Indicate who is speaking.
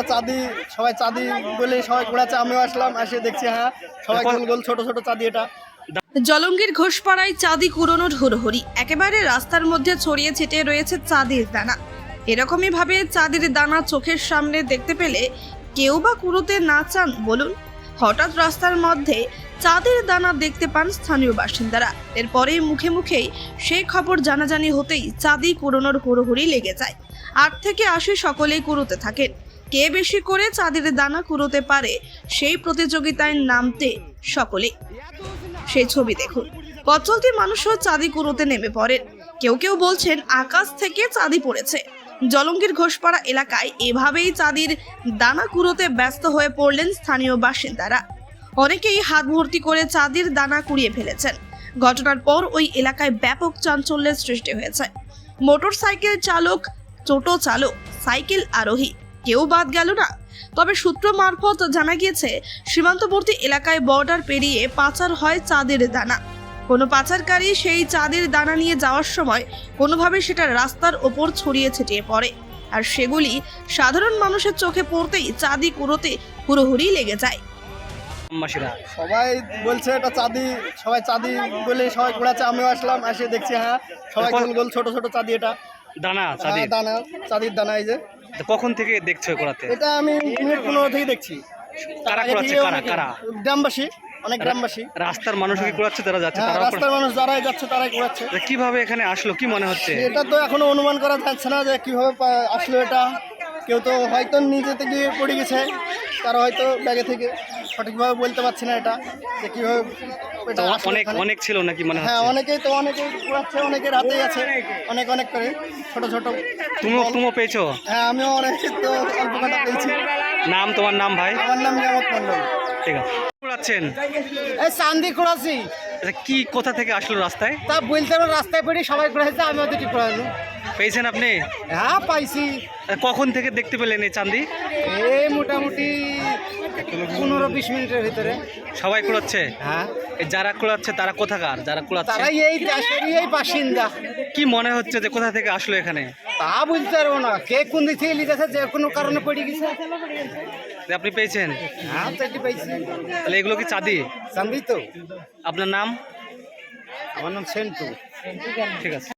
Speaker 1: চাঁদি সবাই চাঁদি বলে সবাই ঘোরাচ্ছে, আমিও আসলাম, এসে দেখছি হ্যাঁ সবাই গোল গোল ছোট ছোট চাঁদি। এটা
Speaker 2: জলঙ্গির ঘোষপাড়ায় চাঁদি কুড়োনোর হুড়োহুড়ি, একেবারে রাস্তার মধ্যে ছড়িয়ে ছিটিয়ে রয়েছে চাঁদির দানা। এরকমই ভাবে চাঁদির দানা চোখের সামনে দেখতে পেলে কেউ বা কুড়োতে না চান বলুন? হঠাৎ রাস্তার মধ্যে চাঁদের দানা দেখতে পান স্থানীয় বাসিন্দারা। এরপরেই মুখে মুখেই সেই খবর জানাজানি হতেই চাঁদি কুড়োনোর হুড়োহুড়ি লেগে যায়। 8 থেকে 80 সকলেই কুড়োতে থাকেন। কে বেশি করে চাঁদের দানা কুড়োতে পারে সেই প্রতিযোগিতায় নামতে সকলে। সেই ছবি দেখুন। পথ চলতি মানুষও চাঁদি কুড়োতে নেমে পড়েন। কেউ কেউ বলছেন আকাশ থেকে চাঁদি পড়েছে। জলঙ্গির ঘোষপাড়া এলাকায় এভাবেই চাঁদির দানা কুড়োতে ব্যস্ত হয়ে পড়লেন স্থানীয় বাসিন্দারা। অনেকেই হাত ভর্তি করে চাঁদির দানা কুড়িয়ে ফেলেছেন। ঘটনার পর ওই এলাকায় ব্যাপক চাঞ্চল্যের সৃষ্টি হয়েছে। মোটরসাইকেল চালক, টোটো চালক, সাইকেল আরোহী কেউ বাদ গেল না। তবে সূত্র মারফত জানা গিয়েছে সীমান্তবর্তী এলাকায় বর্ডার পেরিয়ে পাচার হয় চাঁদের দানা। কোনো পাচারকারী সেই চাঁদের দানা নিয়ে যাওয়ার সময় কোনোভাবে সেটা রাস্তার ওপর ছড়িয়ে ছিটিয়ে পড়ে, আর সেগুলি সাধারণ মানুষের চোখে পড়তেই চাঁদি কুড়োতে হুড়োহুড়ি লেগে যায়।
Speaker 1: সবাই বলছে এটা চাঁদি, সবাই চাঁদি বলে সবাই ঘোরাচ্ছে, আমিও আসলাম, এসে দেখছি হ্যাঁ সবাই গোল গোল ছোট ছোট চাঁদি। এটা
Speaker 3: দানা
Speaker 1: দানা চাঁদির দানা। এই যে
Speaker 3: কখন থেকে দেখছো করাতে?
Speaker 1: এটা আমি মিনিট 15 থেকে দেখছি।
Speaker 3: কারা করাচ্ছে? কারা?
Speaker 1: গ্রামবাসী, অনেক গ্রামবাসী।
Speaker 3: রাস্তার মানুষ কি করাচ্ছে? তারা যাচ্ছে,
Speaker 1: হ্যাঁ,
Speaker 3: তারা
Speaker 1: রাস্তার মানুষ যারাই যাচ্ছে তারাই করাচ্ছে।
Speaker 3: কিভাবে এখানে আসলো কি মনে হচ্ছে?
Speaker 1: এটা তো এখনো অনুমান করা যাচ্ছে না যে কিভাবে আসলো এটা। কেউ তো হয়তো নিজে থেকে পড়ে গেছে, তারা হয়তো ব্যাগে থেকে, সঠিকভাবে বলতে পারছি না এটা যে কিভাবে এটা আসলো
Speaker 3: অনেক
Speaker 1: এখানে।
Speaker 3: অনেক ছিল নাকি মনে
Speaker 1: হ্যাঁ,
Speaker 3: হচ্ছে?
Speaker 1: অনেকেই ঘোরাচ্ছে, অনেকের হাতেই আছে অনেক অনেক করে ছোট ছোট।
Speaker 3: তুমিও পেয়েছো?
Speaker 1: হ্যাঁ, আমিও অনেক তো অল্প কটা পেয়েছি।
Speaker 3: তোমার নাম ভাই?
Speaker 1: আমার নাম নিয়ামত মন্ডল।
Speaker 3: ঠিক আছে। কুড়াচ্ছেন?
Speaker 1: এই চাঁদি কুড়াচ্ছি।
Speaker 3: কি কোথা থেকে আসলো রাস্তায়?
Speaker 1: তা বলতে পারো, রাস্তায় পড়ে সবাই কুড়াইছে, আমি ওদের ঠিক কুড়াইলো।
Speaker 3: পেয়েছেন আপনি?
Speaker 1: হ্যাঁ, পাইছি।
Speaker 3: কখন থেকে দেখতে পেলেন এই চাঁদি?
Speaker 1: এই মোটামুটি 15-20 মিনিটের ভিতরে।
Speaker 3: সবাই কুড়াচ্ছে?
Speaker 1: হ্যাঁ।
Speaker 3: যারা কুড়াচ্ছে তারা কোথাকার? যারা কুড়াচ্ছে
Speaker 1: তারাই এই দেশেরই এই বাসিন্দা।
Speaker 3: কি মনে হচ্ছে যে কোথা থেকে আসলো এখানে?
Speaker 1: তা বলতে পারবো না, কে কোন দিক থেকে লিখেছে, যে কোনো কারণে পড়ে গেছে।
Speaker 3: আপনি পেয়েছেন?
Speaker 1: হ্যাঁ, তো এটি পাইছি।
Speaker 3: তাহলে এগুলো কি চাঁদি?
Speaker 1: চাঁদি তো।
Speaker 3: আপনার নাম?
Speaker 1: আমার নাম সেন্টু।
Speaker 3: ঠিক আছে।